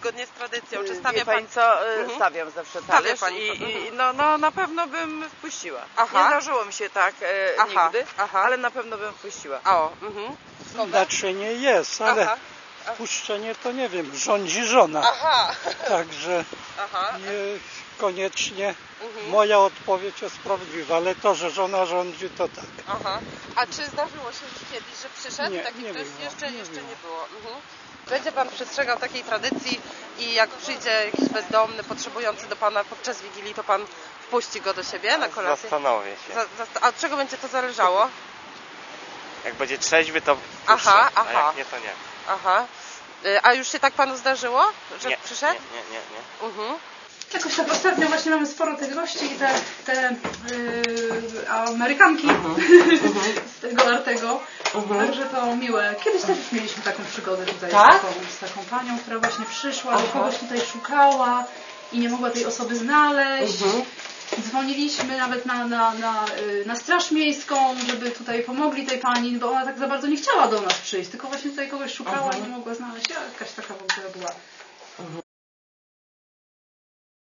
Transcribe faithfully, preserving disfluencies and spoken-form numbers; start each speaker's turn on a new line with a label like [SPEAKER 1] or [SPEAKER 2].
[SPEAKER 1] zgodnie z tradycją? Czy
[SPEAKER 2] Wie
[SPEAKER 1] stawia
[SPEAKER 2] pani
[SPEAKER 1] pan...
[SPEAKER 2] co, y,
[SPEAKER 1] Mhm.
[SPEAKER 2] stawiam zawsze
[SPEAKER 1] Stawia
[SPEAKER 2] talerz
[SPEAKER 1] pani
[SPEAKER 2] i,
[SPEAKER 1] to,
[SPEAKER 2] i
[SPEAKER 1] mhm.
[SPEAKER 2] no, no na pewno bym wpuściła.
[SPEAKER 1] Aha.
[SPEAKER 2] Nie zdarzyło mi się tak e,
[SPEAKER 1] Aha,
[SPEAKER 2] nigdy,
[SPEAKER 1] aha.
[SPEAKER 2] ale na pewno bym wpuściła.
[SPEAKER 1] O, mhm. Skąd?
[SPEAKER 3] Naczynie jest, ale
[SPEAKER 1] Aha.
[SPEAKER 3] puszczenie to nie wiem, rządzi żona.
[SPEAKER 1] Aha.
[SPEAKER 3] Także
[SPEAKER 1] Aha.
[SPEAKER 3] nie koniecznie
[SPEAKER 1] Mhm.
[SPEAKER 3] moja odpowiedź jest prawdziwa, ale to, że żona rządzi, to tak.
[SPEAKER 1] Aha. A czy zdarzyło się już kiedyś, że przyszedł
[SPEAKER 3] Nie,
[SPEAKER 1] taki
[SPEAKER 3] nie
[SPEAKER 1] ktoś?
[SPEAKER 3] było,
[SPEAKER 1] Jeszcze,
[SPEAKER 3] nie
[SPEAKER 1] jeszcze
[SPEAKER 3] było.
[SPEAKER 1] nie było. Mhm. Będzie pan przestrzegał takiej tradycji i jak przyjdzie jakiś bezdomny, potrzebujący do pana podczas Wigilii, to pan wpuści go do siebie na kolację?
[SPEAKER 4] Zastanowię się.
[SPEAKER 1] Za, za, a od czego będzie to zależało?
[SPEAKER 4] Jak będzie trzeźwy, to puszczę,
[SPEAKER 1] Aha,
[SPEAKER 4] a
[SPEAKER 1] aha.
[SPEAKER 4] jak nie, to nie.
[SPEAKER 1] Aha. Y, A już się tak panu zdarzyło, że
[SPEAKER 4] Nie,
[SPEAKER 1] przyszedł?
[SPEAKER 4] nie, nie, nie, nie.
[SPEAKER 1] Mhm.
[SPEAKER 5] Jakoś tak ostatnio właśnie mamy sporo tych gości i te, te yy, Amerykanki z tego Artego. Także to miłe. Kiedyś też już mieliśmy taką przygodę tutaj
[SPEAKER 1] Tak?
[SPEAKER 5] z, taką, z taką panią, która właśnie przyszła, że kogoś tutaj szukała i nie mogła tej osoby znaleźć. Dzwoniliśmy nawet na, na, na, y, na straż miejską, żeby tutaj pomogli tej pani, bo ona tak za bardzo nie chciała do nas przyjść, tylko właśnie tutaj kogoś szukała i nie mogła znaleźć. Jakaś taka w ogóle była